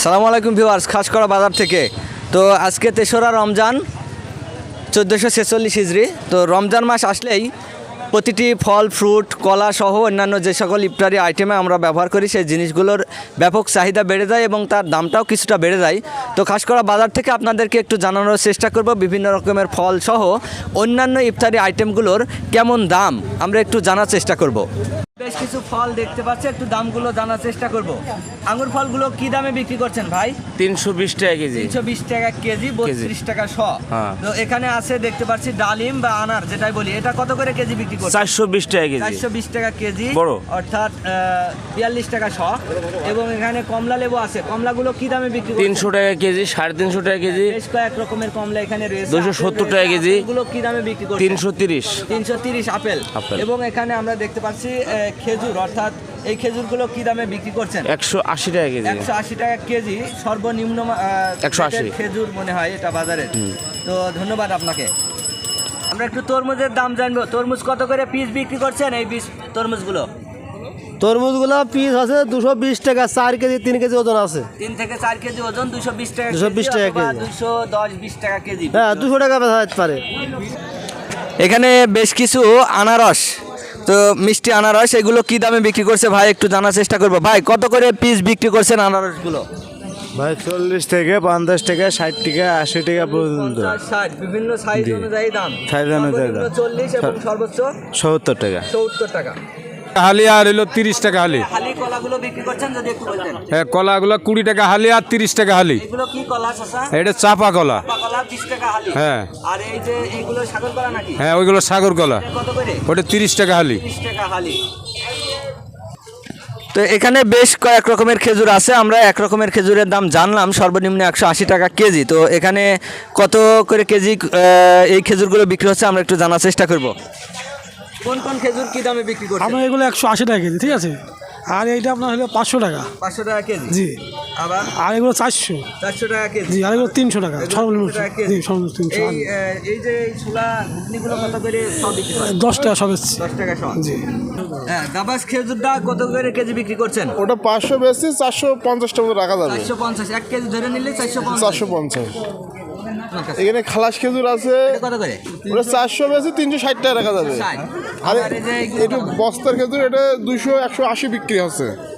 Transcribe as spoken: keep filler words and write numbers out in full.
সালামু আলাইকুম ভিউয়ার্স, খাসকড়া বাজার থেকে। তো আজকে তেসরা রমজান চোদ্দোশো ছেচল্লিশ হিজড়ি। তো রমজান মাস আসলেই প্রতিটি ফল ফ্রুট কলা সহ অন্যান্য যে সকল ইফতারি আইটেমে আমরা ব্যবহার করি সেই জিনিসগুলোর ব্যাপক চাহিদা বেড়ে যায় এবং তার দামটাও কিছুটা বেড়ে যায়। তো খাসকড়া বাজার থেকে আপনাদেরকে একটু জানানোর চেষ্টা করব বিভিন্ন রকমের ফল সহ অন্যান্য ইফতারি আইটেমগুলোর কেমন দাম আমরা একটু জানার চেষ্টা করব। বেশ কিছু ফল দেখতে পাচ্ছি, একটু দামগুলো জানার চেষ্টা করব। আঙ্গুর ফলগুলো কি দামে বিক্রি করছেন ভাই? তিনশো বিশ টাকা কেজি। তিনশো বিশ টাকা কেজি, বত্রিশ টাকা শ। তো এখানে আছে দেখতে পাচ্ছি ডালিম বা আনার যেটাই বলি, এটা কত করে কেজি বিক্রি করছেন? চারশো বিশ টাকা কেজি। চারশো বিশ টাকা কেজি বড়, অর্থাৎ বিয়াল্লিশ টাকা শ। এবং এখানে কমলা লেবু আছে, কমলাগুলো কি দামে বিক্রি করছেন? তিনশো টাকা কেজি, সাড়ে তিনশো টাকা কেজি। বেশ কয়েক রকমের কমলা এখানে রয়েছে। দুশো সত্তর টাকা কেজি। এগুলো কি দামে বিক্রি করছেন? তিনশো তিরিশ। তিনশো তিরিশ আপেল। আপেল। এবং এখানে আমরা দেখতে পাচ্ছি খেজুর, অর্থাৎ এই খেজুরগুলো কি দামে বিক্রি করছেন? একশো আশি টাকা কেজি। একশো আশি টাকা কেজি সর্বনিম্ন একশো আশি খেজুর মনে হয় এটা বাজারে। তো ধন্যবাদ আপনাকে। আমরা একটু তরমুজের দাম জানবো। তরমুজ কত করে পিস বিক্রি করছেন এই পিস তরমুজগুলো? তরমুজগুলো পিস আছে দুশো বিশ টাকা, চার কেজি তিন কেজি ওজন আছে। তিন থেকে চার কেজি ওজন দুশো বিশ টাকা দুশো বিশ টাকা কেজি। দুশো দশ বিশ টাকা কেজি। হ্যাঁ, দুশো টাকা বেচা যেতে পারে। এখানে বেশ কিছু আনারস, তো মিষ্টি আনারস, এগুলো কি দামে বিক্রি করছে ভাই একটু জানার চেষ্টা করবো। ভাই কত করে পিস বিক্রি করছেন আনারসগুলো? ভাই চল্লিশ থেকে পঞ্চাশ টাকা, ষাট টাকা, আশি টাকা পর্যন্ত। ষাট, বিভিন্ন সাইজ অনুযায়ী দাম। সাইজ অনুযায়ী দাম। চল্লিশ এবং সর্বোচ্চ সত্তর টাকা। সত্তর টাকা। হালি আর হলো তিরিশ টাকা হালি। হালি কলাগুলো বিক্রি করছেন যদি একটু বলতেন। হ্যাঁ, কলাগুলো কুড়ি টাকা হালি আর তিরিশ টাকা হালি। এগুলো কি কলা চাচা? এটা চাপা কলা। চাপা কলা বিশ টাকা হালি। হ্যাঁ। আর এই যে এইগুলো সাগর কলা নাকি? হ্যাঁ, ওইগুলো সাগর কলা। এটা কত করে? ওটা তিরিশ টাকা হালি। তিরিশ টাকা হালি। তো এখানে বেশ কয়েক রকমের খেজুর আছে, আমরা এক রকমের খেজুরের দাম জানলাম সর্বনিম্ন একশো আশি টাকা কেজি। তো এখানে কত করে কেজি এই খেজুরগুলো বিক্রি হচ্ছে আমরা একটু জানার চেষ্টা করব। কোন কোন খেজুর কি দামে বিক্রি করছেন? আমরা এগুলো একশো আশি টাকা কেজি, ঠিক আছে। আর এইটা আপনার হলো পাঁচশো টাকা। পাঁচশো টাকা কেজি। জি। আবার আর এগুলো চারশো। চারশো টাকা কেজি। জি। আর এগুলো তিনশো টাকা সর্বনিম্ন। জি, সর্বনিম্ন তিনশো। এই এই যে এই ছোলা ঘুগনিগুলো কত করে সব বিক্রি করেন? দশ টাকা সব এসছে। দশ টাকা সব। জি। হ্যাঁ, গাবাস খেজুরটা কত করে কেজি বিক্রি করছেন? ওটা পাঁচশো বেশি, চারশো পঞ্চাশ টাকা রাখা যাবে। চারশো পঞ্চাশ এক কেজি ধরে নিলে চারশো পঞ্চাশ। চারশো পঞ্চাশ। এখানে খালাস খেজুর আছে, কত করে? ওটা চারশো বেশি, তিনশো ষাট টাকা রাখা যাবে। ষাট। আর আর এই যে এইগুলো একটু বস্তার খেজুর এটা দুইশো একশো আশি বিক্রি হচ্ছে।